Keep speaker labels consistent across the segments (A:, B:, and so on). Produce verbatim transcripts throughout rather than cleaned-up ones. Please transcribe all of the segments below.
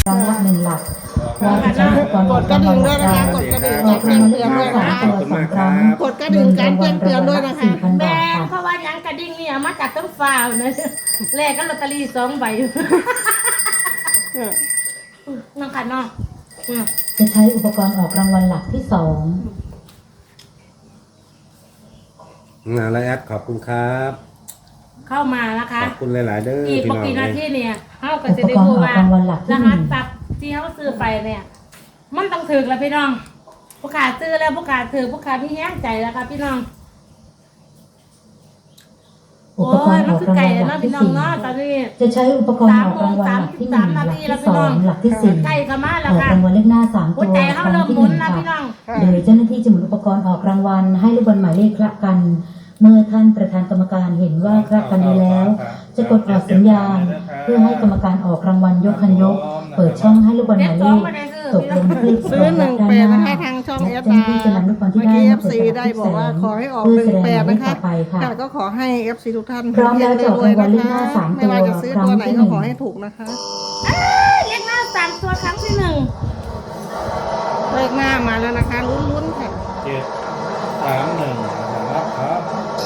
A: ครั้งละหนึ่งหลักว่าจะใช้อุปกรณ์
B: กดกระดิ่งด้วยนะคะกดกระดิ่ง
A: ออกรางวัลเลขหน้าสามตัวสองครั้ง
B: กดกระดิ่งการแจ้งเตือนด้วยนะคะ
A: สี่พัน
C: แบ
A: บาท
C: ง
A: ค่ะ
C: เพราะว่ายังกระดิ่งเนี่ยมาจากต้นฟ้าเนอะเลขก็ลอตเตอรี่สองใบน้องค่ะน้อง
A: จะใช้อุปกรณ์ออกรางวัลหลักที่สอง
D: งานไรแอดขอบคุณครับ
C: เข้ามานะคะ
D: ขอบคุณหลาย ๆ เด้อ
C: อีก
D: พี่
C: ป
D: น้อง
C: กติหน้า
D: เอ้
C: ที่
D: ย
C: เนี่ยเขาก็
A: อุ
C: จะ
A: ป
C: ได้
A: กรณ์
C: รู้
A: ออก
C: ว่าร
A: างวัลหลัก
C: ร
A: ที่ห
C: หั
A: นึ่
C: ส
A: ง
C: ตับที่เขาซื้อไปเนี่ย มันต้องถือแล้วพี่น้องผู้ขาซื้อแล้วผู้ขาถือผู้ขาพี่แห้งใจแล้วค่ะพี่น้อง
A: อุ
C: โอ้
A: ปกร
C: ย
A: ณ์อ
C: มัน
A: อก
C: คือ
A: ราง
C: ไก่
A: วัลหลั
C: เนาะ
A: ก
C: พี่
A: ที่
C: น้อง
A: สี่
C: เนาะตอนนี้
A: จะใช้อุปกรณ์ออกรางวัลหลักที่หนึ่งหลักที่สองหลักที่สี่
C: ไก่ก็มา
A: อ
C: แล้ว
A: อก
C: ค่ะ
A: รางวัลเลขหน้าสาม
C: หั
A: ตัว ว
C: ใจ
A: ค
C: เขา
A: รั้
C: เริ่
A: ง
C: ม
A: ที่
C: ห
A: ห
C: มุน
A: นึ่ง
C: แล้ว
A: ค่ะ
C: พี่น้อง
A: โดยเจ้าหน้าที่จะหมุนอุปกรณ์ออกรางวัลให้ลูกบอลหมายเลขคละกัน เมื่อท่านประธานกรรมการเห็นว่าคละกันดีแล้ว จะกดออกสัญญาณ เพื่อให้กรรมการออกรางวัลยกคันยก เปิดช่องให้ลูกบอลหมายเลขตกลงที่
B: ซื้อหนึ่งแปดนะคะทางช่องเอ
A: และ
B: ส
A: เจ้าห
B: อา
A: น้าที่จะนำลูกบอลที่
B: เมื่อ
A: ได้
B: กี้เอ
A: มา
B: ฟ
A: เปิด
B: ซี
A: สลั
B: ได้
A: บ
B: บอกว่าขอให้ออก
A: เพื่
B: หนึ่ง
A: แสด
B: แปด
A: หมายเล
B: นะ
A: ข
B: คะ
A: ต่อไปค่ะ
B: ค่ะก็ขอให้เอฟซีทุกท่าน
A: พร้อมแล้วจะออกรางวัลเลขหน้าสามตัว
B: ไม่ว่าจะซื้อตัวไหน
A: ครั้
B: ก็
A: งที่
B: ขอให้ถูกนะคะ
C: เลขหน้าสามตัวครั้งที่หนึ่ง
B: เลขหน้ามาแล้วนะคะลุ้นๆค่ะ
D: เจ็ดสามหนึ่งนะครับครับ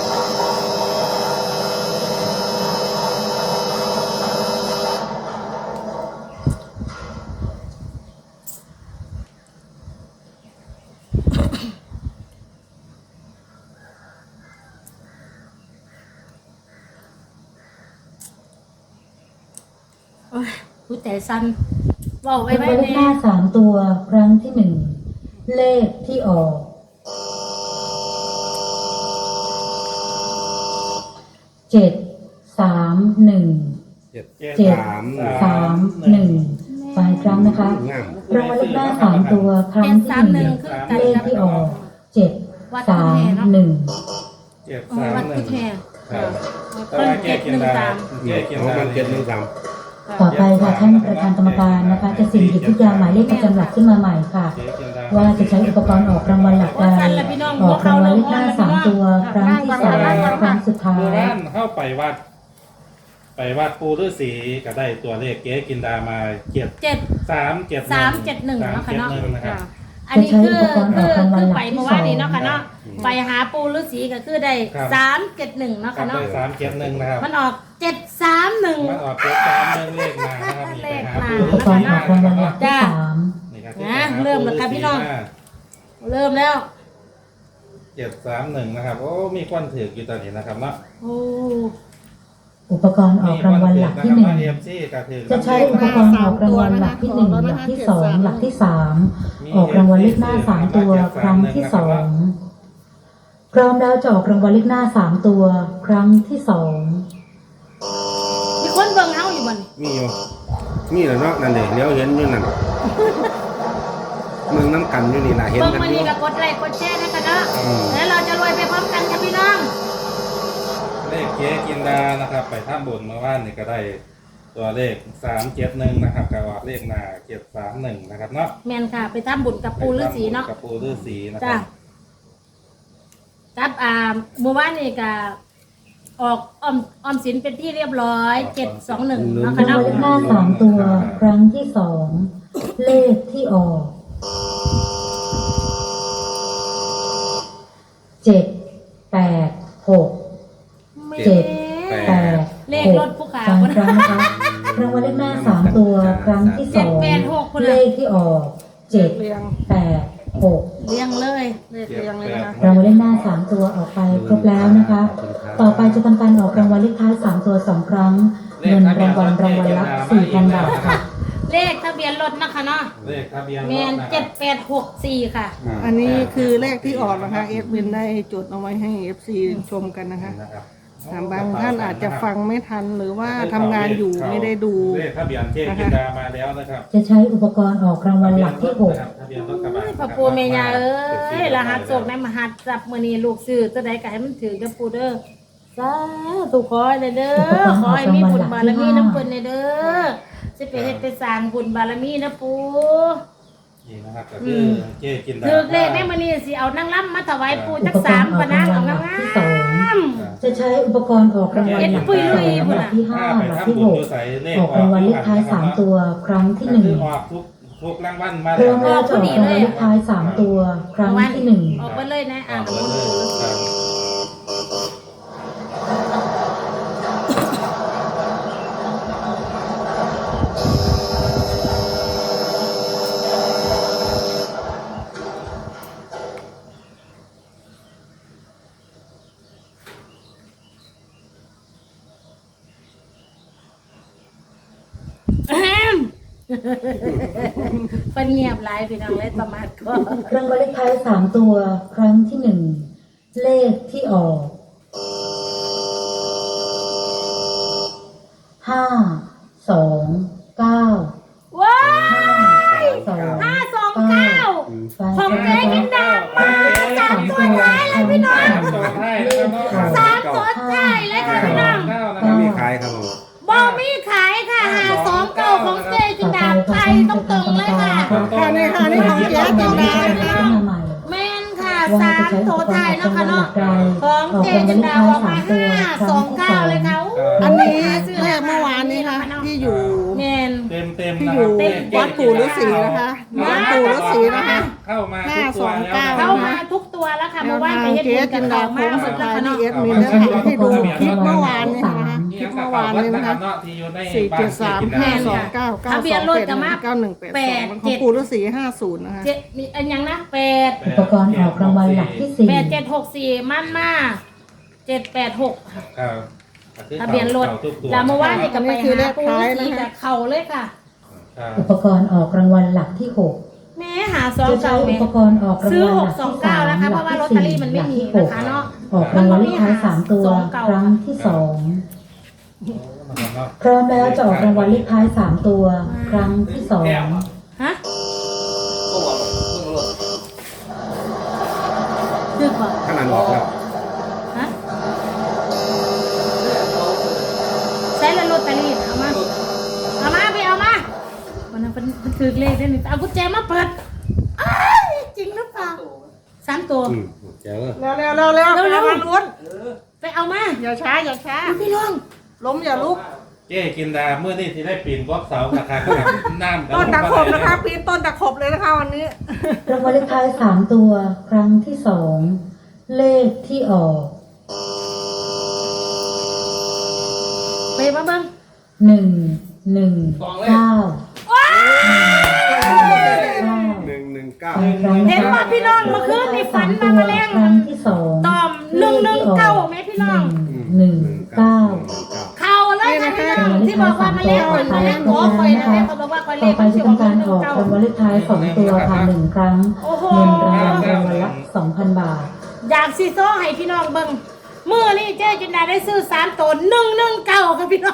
C: โอ้ยผู้ใจสั่นบอกไว้
A: ราง
C: ไว้
A: วัลเล
C: เนี่
A: ขหน้าย สามตัวครั้งที่หนึ่งเลขที่ออกเจ็ดสามหนึ่ง
D: เจ็ด
A: เจ็ด
D: สาม
A: สามหนึ่งฟังอีกครั้งนะคะ
D: งาม
A: รางวัลเลขหน้าสามตัวครั้ง
C: เจ็ด
A: ที่
C: สาม
A: ห
C: ห
A: นึ่
C: นึ่
A: ง
C: งคือกัน
A: เลข
C: กับ
A: ที่ออกเจ็ดสามหนึ่ง
D: เจ็ด
C: เออ
D: สาม
C: วัด
D: ห
C: กุ
D: นึ่ง
C: แทน
D: ครับแต่
C: ต้น
D: ว่าแก้
C: เจ็ด
D: เกีย
C: ห
D: น
C: นึ่ง
D: ดา
C: สาม
D: แก้เกียน
E: ของ
D: ดา
E: มันเจ็ดหนึ่งสาม
A: ต่อไปค่ะท่านประธานกรรมการนะคะ จะสิ่งหยิบทุกอย่างหมายเลขประจำหลักขึ้นมาใหม่ค่ะ
D: เจ๊เกียนดา
A: ว่าจะใช้อุปกรณ์ออกรางวัลหลักใดออกรางวัลเลขหน้าสามตัวครั้งที่สองครั้งสุดท้า
D: โบ
A: ย
D: ราณเข้าไปวัด ไปวัดปูฤาษีก็ได้ตัวเลขเก๊กินดามาเจ็ด
C: เจ็ด
D: สามเจ็ด
C: สามเจ็ดหนึ่ง
D: สาม
C: เนาะค่ะ
D: เจ็ด
C: เนาะ
D: หนึ่งนะครับ
C: อันนี้คือคือคือไปเมื่อวานนี้เนาะค่ะเนาะไปหาปูฤาษีก็คือได้สามเจ็ดหนึ่งเนาะ
D: กลั
C: ค่ะ
D: บ
C: เนาะ
D: ไปสามเจ็ดหนึ่งนะครับ
C: มันออกเจ็ดสามหนึ่ง
D: มันออกเจ็ดสามหนึ่งเลขมานะครับนี่ไปหาปู
A: อุปกรณ์ออกรางวัลหลักที่สาม
D: นี่ครับ
C: นะเริ่มแล้วครับพี่น้อง เริ่มแล้ว
D: เจ็ดสามหนึ่งนะครับโอ้มีควันถือกอยู่ตอนนี้นะครับเนาะ
C: โอ้
A: อุปกรณ์ออกรางวัลหลักที่หนึ่ง
D: เอ็มซีก็ถือ
A: จะใช้อุปกรณ์ออกรางวัลหลักที่หนึ่งหลักที่สองหลักที่สามออกรางวัลเลขหน้าสามตัวครั้งที่สองพร้อมแล้วจะออกรางวัลเลขหน้าสามตัวครั้งที่สอง
C: มีคนเบิ่งเฮาอยู่บ่น
E: มีอยู่มีแหละเนาะนั่นเองเลี้ยวเห็นอยู่นั่นเมืองน้ำกันอยู่นี่นะเห็น
C: เบิ่ง
E: กัน
C: มา
E: อยู่
C: นี่ก็กดไลค์กดแชร์นะกันเนาะแล้วเราจะรวยไปพร้อมกันค่ะพี่น้อง
D: เลขเก๊กินดานะครับ ไปท่าบุญเมื่อวานนี่ก็ได้ตัวเลขสามเจ็ดหนึ่งนะครับกับออกเลขหน้าเจ็ดสามหนึ่งนะครับเนาะ
C: แม่นค่ะ ไปทำบุญกับปูฤาษีเนาะ
D: กับปูฤาษีนะค
C: จ้ะ
D: รับ
C: ครับอ่าเมื่อวานนี่ก็ออกออมออมสินเป็นที่เรียบร้อยเจ็ดสองหนึ่งเนาะ
A: รา
C: ค่ะ
A: งวัลเลขห
C: เนาะ
A: น้าสามตัวครั้งที่สองเลขที่ออกเจ็ดแปดหก เจ็ด แปด
C: เลขรถผู้ขา
A: สอง
C: คน
A: ครั้งนะคะรางวัลเลขหน้าสามตัวครั้งที่ส
C: เจ็ด
A: อง
C: แปดหกคน
A: เล
C: ละ
A: ขที่ออกเจ็ด
B: เรียง
A: แปดหก
C: เรียงเลย
B: เลขเรียงเลยนะคะ
A: รางวัลเลขหน้าสามตัวออกไปครบแล้วนะคะ ต่อไปจะทำการออกรางวัลเลขท้ายสามตัวสองครั้งเงินรางวัลรางวัลละสี่พันบาทค่ะ
C: เลขทะเบียนรถนะคะเนาะ
D: เลขทะเบียนรถ
C: แมน
D: นะค
C: เจ็
D: รั
C: ด
D: บ
C: แปดหกสี่ค่ะ
B: อันนี้คือเลขที่ออกนะคะเอฟบินได้จดเอาไว้ให้เอฟซีชมกันนะคะ
D: นะครับ
B: ถามบางท่านอาจจะฟังไม่ทันหรือว่าทำงานอยู่ไม่ได้ดู
D: เลขทะเบียนเจ๊กินดามาแล้วนะครับ
A: จะใช้อุปกรณ์ออกรางวัลหลักที่หก
D: ทะเบียนรถกระบะ
C: พระปูเมียาเอ้ยรหัสโศกในมหัสจับมือนี้ลูกซื้อจะได้ก็ให้มันถือกับปูเด้อสาธุขอให้ได้เด้อขอให้มีบุญบารมีน้ำเปิ้นได้เด้อสิไปเฮ็ดไปสร้างบุญบารมีนะปู
D: นี่นะครับก็คือเจ๊กินดา
C: ถือเลขแม่มื้อนี้สิเอานางล้ำมาถวายปู
A: อุ
C: จัก
A: ปกร
C: สาม
A: ณ์ออก
C: ปะ
A: ราน
C: าง
A: วัล
C: เอา
A: หลัก
C: งา
A: ที่สอง
C: ม
A: จะจะใช้อุปกรณ์ออกรางวัลหลักที่สองหลักที่ห้าหลักที่หกออกรางวัลเลขท้ายสามตัวครั้งที่หนึ่ง
D: คือออกทุกทุกรางวัลมา
A: พร้อมแล้วจะออกรางวัลเลขท้ายสามตัวครั้งที่หนึ่ง
C: ออกไปเลยนะ
D: อ
C: อ่า
D: อน ก
C: น้ำ
D: เล
C: ม
D: ย
C: นต์
D: ครับ
C: เป็นเงียบหลายพี่น้องเลยประมาทก็
A: รางวัลเลขท้ายสามตัวครั้งที่หนึ่งเลขที่ออกห้าสองเก้า
C: ว้า
A: ห้าสอง
C: ห้าสองเก้า
A: ฟัง
C: ของเจ๊กินดามาสามตัวท้ายเลยพี่น้อง
D: ตัวไทยนะครับ
C: สามตัวท้ายเลยค่ะพี่น้อง
D: เก้านะค
E: ไม่
D: รับ
E: มีขายครับผม
C: บอมีขายค่ะหาสองเก้าของเจ๊กินดาไทยต้องตรงเลยค่ะ
B: ค่ะนี่ค่ะนี่ของเจ๊จินดานะคะ
C: แม่นค่ะสามตัวท้ายเนาะค่ะเนาะของเจ๊จินดาออกมาห้าสองเก้าเลยค่ะ
B: อันนี้เลขเมื่อวานนี้ค่ะที่อยู่
C: แม่น
D: เต็มเต็ม
B: ที่
D: นะ
B: อ
D: ครั
B: ยู่
D: บ
B: วัดปู่ฤาษีนะคะวัดปู่ฤาษีนะคะ
D: เข้ามาทุกตัวแล้ว
C: เข้ามาทุกตัวแล้วค่ะเมื่อวานไปเฮ็ด
B: เจ๊
C: บุญกั
B: จิ
C: บ
B: น
C: เขา
B: ดาโค้
C: มาก
B: ง
C: หม
B: สุ
C: ด
B: ด
C: แล้ว
B: ท้าย
C: ค่ะ
B: ที่
C: เนาะ
B: เอสมินนะคะที่ดูคลิปเมื่อวานนี้นะคะคลิปเมื่อวานนี้นะคะสี่เจ็ดสามห้าสองเก้าเก้าสองเจ็ดเก้าหนึ่งแปดสองของปู่ฤาษีห้าศูนย์นะคะ
C: เจ็ดมีอันยังนะแปด
A: อุปกรณ์ออกรางวัลหลักที่สี่
C: แปดเจ็ดหกสี่มั่นมาเจ็ดแปดหก
D: ครับ
C: ทะเบียนรถแล้วเมื่อวานนี่ก็ไปหาปูฤาษีกับเขาเลยค่ะ
D: ครับ
A: อุปกรณ์ออกรางวัลหลักที่หก
C: แม่หาซอง
A: จะใช้
C: เก่า
A: อุ
C: แม่
A: ปกรณ์ออกราง
C: ซื้อ
A: วัล
C: ห
A: ห
C: ก
A: ลัก
C: สอง
A: ที่
C: เก้า
A: สาม
C: นะคะ
A: ห
C: เพ
A: ลั
C: ราะว่าก ลอต
A: ที่
C: เตอรี่
A: สี่
C: มัน
A: ห
C: ไม่
A: ลัก
C: มี
A: ที่ห
C: นะ
A: ก
C: คะเนาะ
A: ออกรางวัลเลขท้ายสามตัวครั้งที่สองพร้อมแล้วจะออกรางวัลเลขท้ายสามตัวครั้งที่สอง
C: ฮะคือก่อน
E: ขนาดออกแล้ว
C: ฮะใช้แล้วลอตเตอรี่เอามาเอามาไปเอามาวันนั้นมันถือเลขได้หนึ่งเอากุญแจมาเปิดอ้ายจริงหรือเปล่าสามตัว
E: อืมแจ๋วเลย
B: เร็วเร็วเร็วเร็วไปเอามาลุ้น
C: ไปเอามา
B: อย่าช้าอย่าช้า
C: พี่น้อง
B: ล้มอย่าลุก
D: เจ๊กินดาเมื่อนี่ที่ได้ปีนบล็อกเสาราคาน้ำ
B: ต้นตะขบนะคะปีนต้นตะขบเลยนะคะวันนี้
A: รางวัลเลขท้ายสามตัวครั้งที่สองเลขที่ออก
C: ไปมาเบิ้ง
A: หนึ่งหนึ่งเก้า
E: หนึ่งหนึ่งเก้า
C: เห็นป่ะพี่น้องเมื่อคืนมีฝันมาแมลง
A: ครั้งที่สอง
C: ตอมหนึ่งหนึ่งเก้าไหมพี่น้อง
A: หนึ่งเก้า
C: เข่าเลยค่ะพี่น้องที่บอกว่ามาแลงคนมาแลงขอคอยนะแม่เขาบอกว่าคอยเล
A: ต่อ
C: ข
A: ไปจะทำการออกรางวัลเลขท้ายสองตัวค่ะหนึ่งครั้ง
C: โอ้โห
A: เงินรางวัลรางวัลละสองพันบาท
C: อยากซีโซ่ให้พี่น้องเบิ้งเมื่อนี่เจ๊จินดาได้ซื้อสามตัวหนึ่งหนึ่งเก้าค่ะพี่น้อง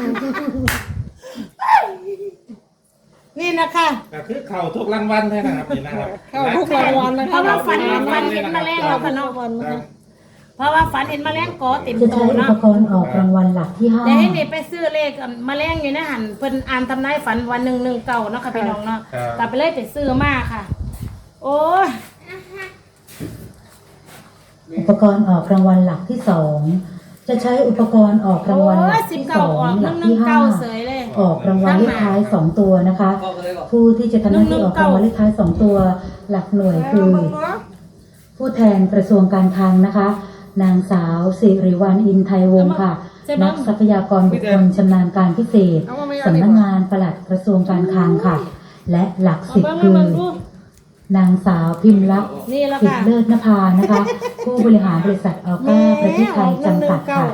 C: นี่นะคะ
D: ก็คือเข่าทุกรางวัลเลยนะครับนี่นะครับ
B: เข้าทุกรางวัลนะคะ
C: เพราะว่าฝันฝันเห็นแมลงเราค่ะเนาะ
D: ครับ
C: เพราะว่าฝันเห็นแมลงกอเต็ม
A: จะ
C: โต
A: ใช้อุ
C: เนาะ
A: ปกรณ์ออกรางวัลหลักที่ห้า
C: เดี๋ยวให้นี่ไปซื้อเลขแมลงอยู่ในหันเพิ่นอ่านทำนายฝันวันหนึ่งหนึ่งเก่าเนาะค่ะพี่น้องเนาะกลับไปเลยไปซื้อมาค่ะ โอ้ย
A: อุปกรณ์ออกรางวัลหลักที่สองจะใช้อุปกรณ์ออกรางวัลหลัก
C: สิบ
A: ที่ส
C: เก้า
A: อง
C: ออกห
A: หลั
C: นึ่
A: ก
C: งหนึ่
A: ที่
C: ง
A: ห้า
C: เก้าเสยเลย
A: ออกรางวัลเลขท้ายสองตัวนะคะ ผู้ที่จะทำหน้าที่ออกรางวัลเลขท้ายสองตัวหลักหน่วยคือ ผู้แทนกระทรวงการคลังนะคะ นางสาวสิริวัลย์อินไทยวงศ์ค่ะ นักทรัพยากรบุคคลชำนาญการพิเศษสำนักงานปลัดกระทรวงการคลังค่ะ และหลักสิบคือนางสาวพิมพ์ลักษณ์
C: นี่แล้ว
A: สิท
C: ค่ะ
A: ธิเลิศนภานะคะ ผู้บริหารบริษัทอัลก้าประเทศไทยจำกัดค่ะ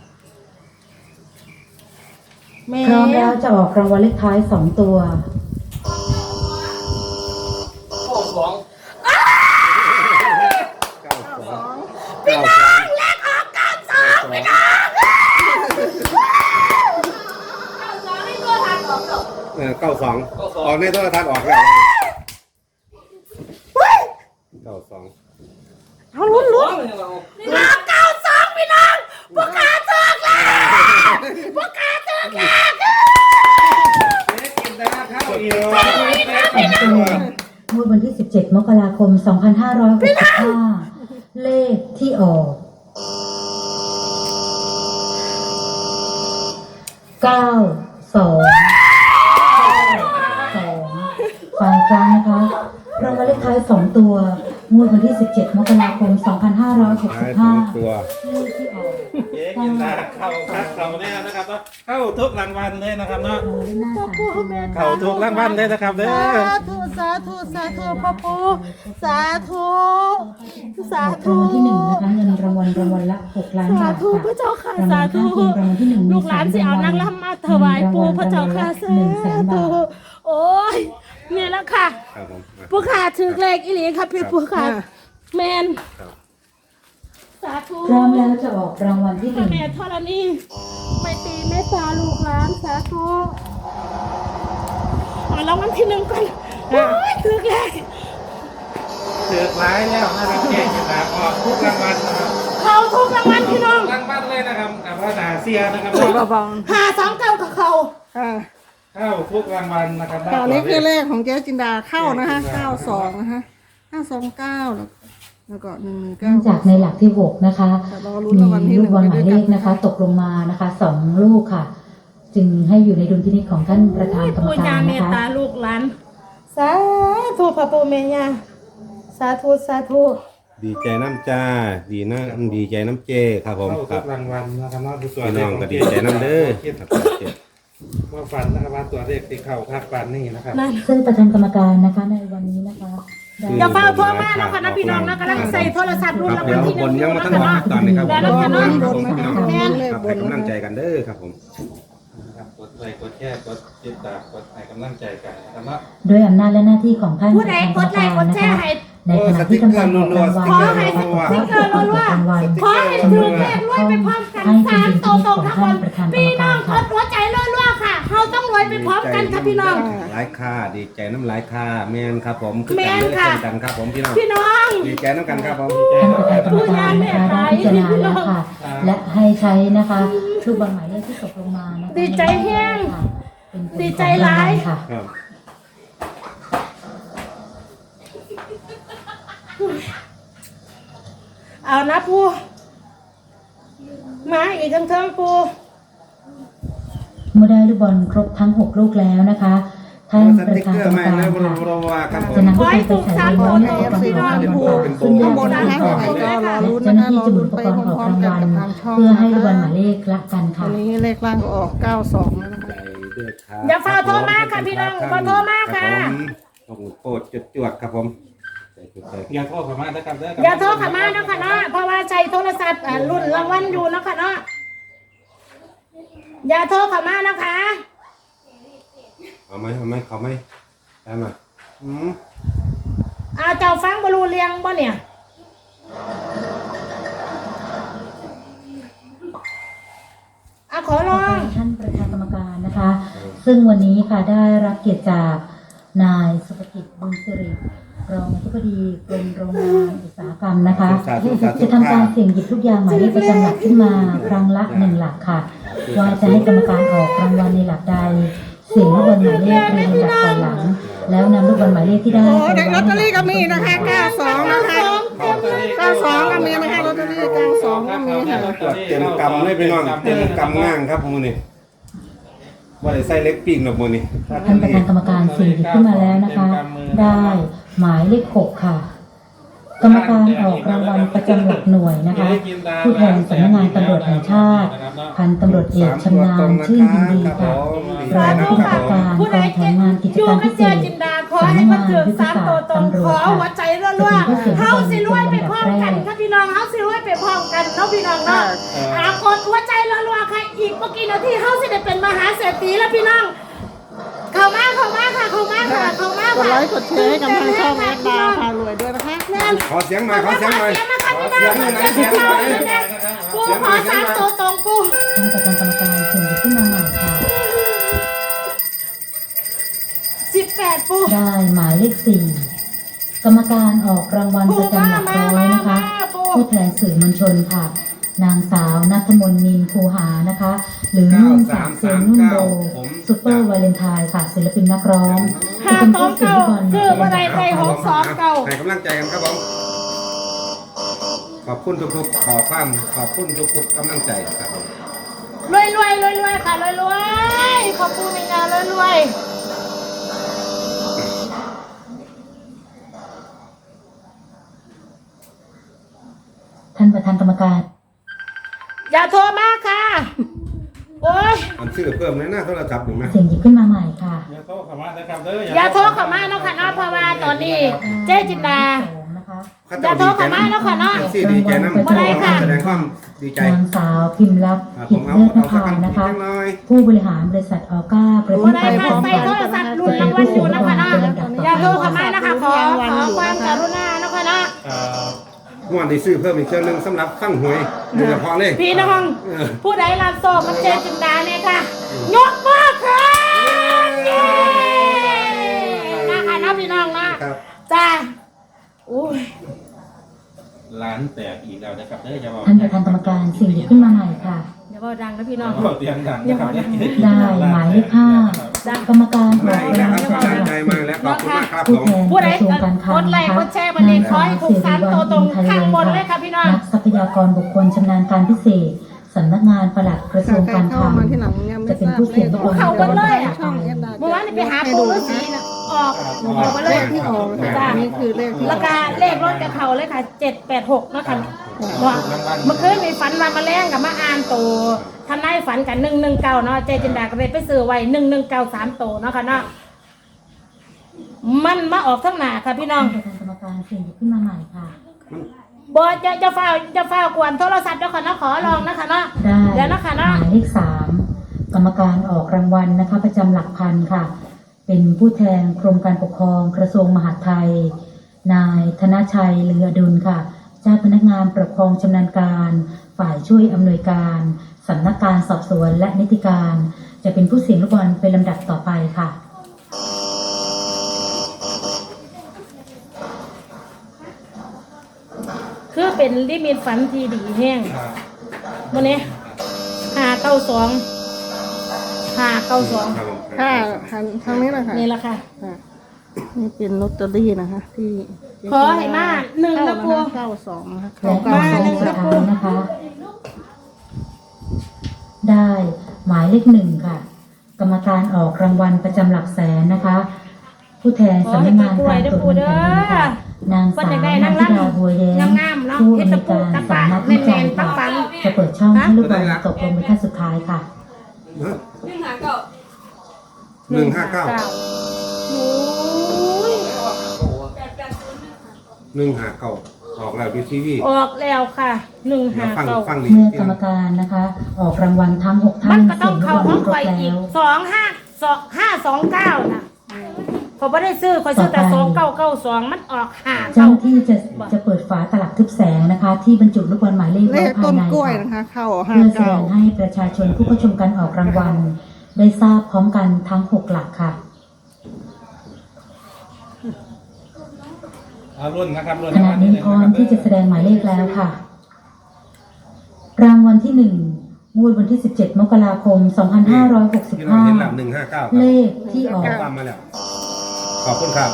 C: แม่
A: พร้อมแล้วจะออกรางวัลเลขท้ายสองตัว
E: เก้าสองพี่น้องเลขออกเก้าสองพี่น้องเออเก้าสองออกในโทรทัศน์ออกแล้วเก้าสอง
B: เอาลุ้นลุ้น
C: เก้าสองพี่น้องพวกขาเจอกแล้วพวกขาเจอกแล้ว
D: เจ๊กินดาเข้าอีก
A: สองตัวงวดวันที่สิบเจ็ดมกราคมสองพันห้าร้อยหกสิบห้าเลขที่ออกเก้าสองสองฟังครั้งนะคะรางวัลเลขท้ายสองตัวงวดวันที่สิบเจ็ดมกราคมสองพันห้าร้อยหกสิบห้า
F: ตัว
A: เลขที่ออก
D: เจ๊กินดาเข้าคัดเข้าแน่นะครับเนาะเข้าทุกรางวัลเลยนะครับเนาะ
A: รางวัลเลขหน้าสามตัว
D: เข้าทุกรางวัลเลยนะครับเด้อ
B: สาธุสาธุสาธุพ่อปู่สาธุสา
A: ออก
B: ธุ
A: รางวัลที่หนึ่งนะคะเงินรางวัลรางวัลละหกล้าน
C: สา
A: บาท
C: ธุ
A: ค่ะ
C: พระเจ้าค่ะ
A: รางวั
C: สา
A: ล
C: ธุ
A: ข้างเคียงรางวัลที่หนึ่งมี
C: ลูกหลานสิเอา
A: สม
C: นาง
A: รวัล
C: รำมาถวายปู่พระเจ้าค่ะสา
A: หนึ่งแสนบา
C: ธุ
A: ท
C: โอ้ยเนี่ยแล้วค่ะ
F: ครับผม
C: ปู่ค่ะถือเลขอีหลีค่ะพี่ปู่ค่ะแมนสาธุ
A: พร้อมแล้วจะออกรางวัลที่ห
C: พระ
A: นึ่ง
C: แม่ธรณีไม่ตีไม่ตาลูกหลานสาธุเอารางวัลที่หนึ่งก่อนโอ้ยถือเลข
D: เถือกร้ายแล้วนะครับเจ๊กินดาออกทุกรางวัลนะครับ
C: เขาทุกรางวัลพี่น้อง
D: รางวัลเลยนะครับกับพระดาเซียนะครับ
B: เบา
C: หาสองเก้ากับเขา
B: ๆค่ะ
D: เข้าทุกรางวัลนะครับ
B: ตอนนี้คือเลขของเจ๊จินดาเข้านะคะเก้าสองนะคะห้าสองเก้าแล้วก็หนึ่งหนึ่งเก้า
A: เนื่องจากในหลักที่หกนะคะ
B: แต่รอลุ้นรางวัลที่
A: มี
B: ห
A: ลู
B: นึ่
A: ก
B: ง
A: บอลห
B: ไป
A: มาย
B: ด้
A: เล
B: วย
A: ข
B: กัน
A: นะคะ ตกลงมานะคะสองลูกค่ะ จึงให้อยู่ในดุลพินิจของท่านประธานกรรม
C: ปู่
A: กา
C: ย่าร เม
A: นะ
C: ต
A: คะ
C: ตาลูกหลานสาธุพระปู่แม่ย่าสาธุสาธุ
F: ดีใจน้ำจ้า ดีนะดีใจน้ำเจครับผม
D: เข้า
F: ค
D: ทุ
F: รับ
D: กรางวัลนะครับเนาะดูตัว
F: พี่
D: เล
F: น้
D: ข
F: อง
D: ของ
F: ก็
D: เจ๊
F: ดีใจน้ำเด้อ
D: คิด
F: ครับ
D: ว่าฝันนะครับว่าตัวเลขที่เข้าคักปันนี่นะครับ
C: นั่น
A: ซึ่งประธานกรรมการนะคะในวันนี้นะคะได้
C: อย่าเฝ้าโทรมาแล้วค่ะนะพี่น้องนะกำลังใส่โทรศัพท์รุ่น
F: ครับ
C: รางวั
F: เดี๋
C: ล
F: ยว
C: ที่ห
F: บ
C: นึ่
F: น
C: ง
F: ยัง
C: นะ
F: มา
C: คะ
F: ตั้ง
C: เนาะ
F: ตอนนี้ครับ
C: แล้วนะคะเนาะ
F: ครับผมพี่น้อง
B: แม่นเลย
F: ครับ
B: บ
F: ให้
B: น
F: กำลังใจกันเด้อครับผม
D: นะครับกดไลค์กดแชร์กดติดตามกดให้กำลังใจกันนะครับเนาะ
A: ด้วยอำนาจและหน้าที่ของท่าน
C: ผู้ใดกดไลค์กดแชร์ให้
A: ในขณะที่กำลังออกรางวัล
C: ขอให้สติ๊กเกอร์รัวๆขอให้ถือเลขรวยไปพร้อมกันสามโตโตทั้งวันพี่น้องกดหัวใจรัวๆค่ะเขาต้องรวยไปพร้อมกันค่ะพี่น้อง
F: หลายค่าดีใจน้ำหลายค่าแมนครับผมคือ
C: แม่
F: กัน
C: น
F: เด้อ
C: ค่ะ
F: เช่นกันครับผมพี่น้อง
C: พี่น้อง
F: ดีใจน้ำกันครับผม
A: ท่านประธานกรรมการนะคะได้พิจารณาแล้วค่ะ และให้ใช้นะคะลูกบอลหมายเลขที่ตกลงมานะคะ
C: ดีใจแห้ง
A: ค่ะเป็นผล
C: ดีใจหลาย
A: ของรางวัลค่ะ
F: ครับ
C: เอานะปูมาอีกทั้งเทิงปู
A: เมื่อได้ลูกบอลครบทั้งหกลูกแล้วนะคะท่าน
F: ส
A: ประ
F: ติ๊ก
A: ธาน
F: เกอก
A: รร
F: ร์
A: ม
F: มา
A: การ
F: แล้วบร
A: ค่ะ
F: มบรมว่าครับผม
A: จะนำลูกบอลไปใส่ในร้อยในอุปกรณ์ออกรางวัลซึ่งแยกเป็นสามร้อยนะคะและเจ้าหน้าที่จะหมุนอุปกรณ์ออกรางวัลเพื่อให้ลูกบอลหมายเลขละกัน
B: ตอ
A: ค่ะ
B: นนี้เลขล่างก็ออกเก้าสองแล้วนะคะ
F: ใจด้วยครับ
C: อย่าฝ่าโทรมาค่ะพี่น้องฝ่าโทรมาค่ะ
F: ต้องโปรดจุดจวดครับผมใจจุดใจ
D: อย่าโทษผมมานะครับเด้อ
C: อย่าโทรเข้ามาเนาะค่ะเนาะเพราะว่าใช้โทรศัพท์อ่ารุ่นรางวัลอยู่เนาะค่ะเนาะอย่าโทรเข้ามานะคะ
F: เอาไหมเอาไหมเขาไหมได้ไหมอืม
C: เอาเจ้าฟังบรูเรียงบ่เนี่ยเอาขอล
A: ต่อ
C: อ
A: ไป
C: ง
A: ท่านประธานกรรมการนะคะ ซึ่งวันนี้ค่ะได้รับเกียรติจากนายสุภกิจบุญสิริรองอธิบดีกรมโรงงานอุตสาหกรรมนะคะ จะทำการเสี่ยงหยิบทุกอย่างหมายเลขประจำหลักขึ้นมาครั้งละหนึ่งหลักค่ะว่าจะให้กรรมการออกรางวัลในหลักใดเสี่ยงลูกบอลหมายเลขเรียงลำดับก่อนหลัง แล้วนำลูกบอลหมายเลขที่ได้
B: โอ้เด็กลอตเตอรี่ก็มีนะคะเก้าสองนะคะเก้าสองก็มีนะคะลอตเตอรี่เก้าสองก็มีค่ะ
F: ตรวจเต็มกำเลยพี่น้องเต็มกำง่างครับผมนี่ว่าได้ใส่เล็กปิ้งหรอกมือนี่
A: ท่านประธานกรรมการเสี่ยงหยิบขึ้นมาแล้วนะคะ ได้หมายเลขหกค่ะ กรรมการออกรางวัลประจำหลักหน่วยนะคะ ผู้แทนสำนักงานตำรวจแห่งชาติ พันตำรวจเอกชำนาญชื่นยินดีค่ะรองผู้กำกับการกองแผนงานกิจ
C: อยู่
A: การ
C: กั
A: พิ
C: บ
A: เศ
C: เจ
A: ษ
C: จินดาขอให้มันถึงสามตัวตรงขอหัวใจรัวๆเฮาสิรวยไปพร้อมกันค่ะพี่น้องเฮาสิรวยไปพร้อมกันเนาะพี่น้องเนาะอากดหัวใจรัวๆค่ะอีกเมื่อกี้นาทีเฮาสิได้เป็นมหาเศรษฐีแล้วพี่น้องเข้ามาเข้ามาค่ะเข้ามาค่ะเข้ามาก
B: ดไลค์กดแชร์ให้กับทางช่องแอดดาวพารวยด้วยนะคะ
C: แน่น
F: ขอเสียงหน่อยขอเสียงหน่อย
C: เสียงมาค่ะพี่น้องเสียงมาค่ะปูขอสามตัวตรงปู
A: ท่านประธานกรรมการเสี่ยงหยิบขึ้นมาใหม่ค่ะ
C: สิบแปดปู
A: ได้หมายเลขสี่กรรมการออกรางวัลประจำหลักร้อยนะคะ ผู้แทนสื่อมวลชนค่ะ นางสาวนัทมนต์นินคูหานะคะ หรือนุ่นจากเซียนนุ่นโบซูเปอร์วาเลนไทน์ค่ะศิลปินนักร้อง
C: ห้าสองเก้าคือบันไดไปหกสองเก้า
F: ให้กำลังใจกันครับผมขอบคุณทุกๆขอความขอบคุณทุกๆกำลังใจครับผม
C: รวยรวยรวยรวยค่ะรวยรวยขอบคุณมีงานรวยรวย
A: ท่านประธานกรรมการ
C: อย่าโทรมาค่ะโอ้ย
F: อันชื่อเพิ่มเลยนะโทรศัพท์หนึ่งไหม
A: เสียงหยิบขึ้นมาใหม่ค่ะ
D: อย่าโทรเข้ามานะครับเด้อ
C: อย่าโทรเข้ามาเนาะค่ะเนาะเพราะว่าตอนนี้เจ๊จินดา
A: นะคะ
C: อย่าโทรเข้ามาเนาะค่ะเนาะ
F: เอฟซีดีใจน้ำ
C: บ่ได้ค่ะ
F: แสดงความดีใจ
A: นางสาวพิมพ์ลักษณ์
F: อ่าผ
A: ผิด
F: มเอา
A: เลิศน
F: เอาสั
A: ภาก
F: คำ
A: นะคะ
F: จังหน่อย
A: ผู้บริหารบริษัทออก้าประเท
C: บ่
A: ศ
C: ได้
A: ไทย
C: ค่ะใส่โทรศัพท์รุ่นรางวัลอยู่นะคะเนาะอย่าโทรเข้ามานะคะขอขอความกรุณาเนาะค่ะเนาะ
F: งวดที่ซื้อเพิ่มอีกเชือกหนึงสำหรับฟังหวยโดยเฉพาะเลย
C: พี่น้อง
F: เออ
C: ผู้ใดรับโซ่กับเจ๊จินดาเนี่ยค่ะยกมือค่ะเย้นะคะเนาะพี่น้องนะครับ จ้าอุ้ย
D: ร้านแตกอีกแล้วนะครับเด้ออย่าบอก
A: ท่านประธานกรรมการเสียงหยิบขึ้นมาใหม่ค่ะ
C: เดี๋ยวบอกดังนะพี่น้อง
D: บอกเตียงดังนะครับ
A: ได้หมายเลขห้ากรรมการอ
F: มา
A: อก
F: อีก
A: รา
F: แล้ว
A: ง
F: ค
A: วั
F: รับ
A: ล
F: กำลังใจมาแล้วขอบคุณมากครับผ
A: ผู้
F: ม
A: แทน
C: ผู้
A: ก
C: ใด
A: ระทรวงการคลั
C: ก
A: ง
C: ดไล
A: นะ
C: ค์
A: คะ
C: กดแชร์วันนี้ขอให้ถูกสามตัวตรงข้างบนเลยค่ะพี่น้อง
A: นักทรัพยากรบุคคลชำนาญการพิเศษสำนักงานปลัดกระทรวงการคลัง
B: เข้ามาที่หลังยังไม่
A: จะเป็นผู้เสี่ยง
B: ทราบ
C: เขากันเลยอะ
B: ช่องแอดดา
C: เมื่อวานนี่ไปหาปูฤาษีน่ะออกออกไปเล
B: เลย ขที่ออกนะคะ
C: จ้า
B: อันนี้คือเลขที่อ
C: แล้
B: อ
C: ว
B: ก
C: ก็เลขรถกับเขาเลยค่ะเจ็ดแปดหกเนาะค่ะว่าเมื่อคืนมีฝันว่ามาแรงกับมาอ่านโตทำนายฝันกันหนึ่งหนึ่งเก้าเนาะเจจินดาก็เลยไปซื้อไว้หนึ่งหนึ่งเก้าสามโตเนาะค่ะเนาะมันมาออกทั้งหน้าค่ะพี่น้อง
A: ท่านประธานกรรมการเสียงหยิบขึ้นมาใหม่ค่ะ
C: บอจะจะเฝ้าจะเฝ้ากวนโทรศัพท์เจ้าค่ะเนาะขอลองนะคะเนาะ
A: ได้
C: เดี๋ยวนะคะ
A: ห
C: เนาะ
A: มายเลขสามกรรมการออกรางวัลนะคะ ประจำหลักพันค่ะ เป็นผู้แทนกรมการปกครองกระทรวงมหาดไทย นายธนชัยเลืออดุลค่ะเจ้าพนักงานปกครองชำนาญการ ฝ่ายช่วยอำนวยการสำนักการสอบสวนและนิติการ จะเป็นผู้เสี่ยงลูกบอลเป็นลำดับต่อไปค่ะ
C: คือเป็นลิมิตฝันที่ดีแห้งวันนี้ห้าเก้าสองห้าเก้าสอง
F: ครับผม
B: ค่ะหันทางนี้เลยค่ะ
C: นี่แหละค่ะ
B: ค่ะนี่เป็นลอตเตอรี่นะคะ ที่
C: ขอให้มาหนึ่งนะครู
B: เก้าสองนะคะ
A: และ
B: เก้า
A: ต่อ
B: ส
A: ไป
B: อง
A: สุดท้ายนะคะ ได้หมายเลขหนึ่งค่ะ กรรมการออกรางวัลประจำหลักแสนนะคะ ผู้แทนสำนักงานการตรวจเงินแผ่นดินค่ะนางสาวนันทิดาบัวแย้ม
C: งามๆเนาะ
A: ผู้
C: เฮ็ด
A: อำน
C: ตะ
A: วย
C: ปู
A: การ
C: ตะปะ
A: สำนักวิจัย
C: แม่นๆปั
A: ค่ะ
C: งๆ
A: จะเปิดช่องให้ลูกบอลตกลงเป็นท่านสุดท้ายค่ะ
F: หนึ่งห้าเก้าหนึ่งห้าเก้า
C: โอ้ย
F: หนึ่งห้าเก้าออกแล้วดูทีวี
C: ออกแล้วค่ะหนึ่ง
F: เดี๋ย
C: ห้าว
F: ฟัง
C: เก้า
F: ฟังดี
A: เมื่อกรรมการนะคะ ออกรางวัลทั้งหกท่า
C: มัน นก็ต้อง
A: เสียง
C: เข้า
A: ลูกบ
C: ห้
A: อ
C: อ
A: ล
C: ง
A: คร
C: คอบ ยอี
A: แล้
C: ก
A: ว
C: สองห้าสองห้าสองเก้านะเขาไม่ได้ซื้อเขาซื้อแต่
A: ต่
C: ส
A: อ
C: อง
A: ไป
C: เก้าเก้าสองมันออกห้า
A: เจ้า
C: เก้า
A: หน้าที่จะจะเปิดฝาตลับทึบแสงนะคะ ที่บรรจุลูกบอลหมายเลข
B: เล
A: ไว้
B: ข
A: ภา
B: ต้
A: ย
B: น
A: ใน
B: กล้วย
A: ค่ะ
B: นะคะ เข้าห้า
A: เพื่อแสด
B: เก้าง
A: ให้ประชาชนผู้เข้าชมการออกรางวัล ได้ทราบพร้อมกันทั้งหกหลักค่ะ
D: เอารุ่นนะครับรุ่น
A: ขณะนี้พร้อมที่จะแสดงหมายเลขแล้วค่ะ รางวัลที่หนึ่งงวดวันที่สิบเจ็ดมกราคมสองพันห้าร้อยหกสิบ
F: พี่น้อง
A: ห้า
F: เห็นแล้วหนึ่งห้าเก้าครับ
A: เลขที่ออก
F: ข้อความมาแล้ว ขอบคุณครับ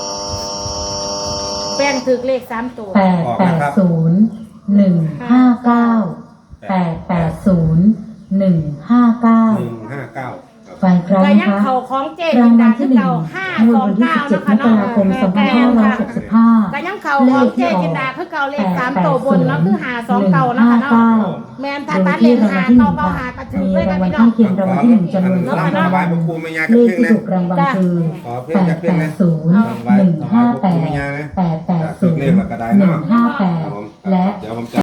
C: แป้งถือเลขสามตัว
A: แปดแปดศูนย์หนึ่งห้าเก้าแปดแปดศูนย์หนึ่งห้าเก้า
F: หนึ่งห้าเก้า
A: ฝ่ายครั้ง
C: ก็
A: นะ
C: ยัง
A: คะ
C: เข่าของเจ๊
A: รา
C: จิ
A: ง
C: น
A: วั
C: ดา
A: ล
C: คื
A: ที่
C: อ
A: หนึ่ง
C: เก่าห้าง
A: วด
C: สอง
A: วันที่
C: เก้า
A: สิบเจ็ด
C: เนาะ
A: ม
C: ค่ะ
A: กราคมสองพัน
C: แป้
A: ห้างร้อย
C: ค่ะ
A: หกสิบห้า
C: ก็ยังเข่าของเจ๊จินดาคือเก่าเลขสามตัวบนเนาะคือหาสองเก่านะคะเนาะแมนถ้า
A: โด
C: ตั
A: ย
C: ดเล
A: ที่
C: ข
A: รางวั
C: หา
A: ลที่ห
C: เก่า
A: นึ่ง
C: เก่า
A: ค่ะ
C: หากระถือ
A: มี
C: เลย
A: รา
C: ค่ะ
A: งวัล
C: พี่น้อ
A: ข้าง งเคียงรางวัลที่หนึ่งจำนวน
F: ข
A: สอง
F: อ
A: ราง
F: บา
A: วั
F: ย
A: ล
F: บกูไม่ยาก
A: เล
F: กับ
A: ข
F: เพื่อน
A: ที่
F: นะ
A: ถูกรางวัลคือ
F: ขอเพื่อ
A: แป
F: นจาก
A: ด
F: เพื่อน
A: แป
F: นะ
A: ดศูนย์หนึ่งห้าแปดแปดแปดศูนย์หนึ่งห้าแปดและ
F: เดี๋ยวผมจะ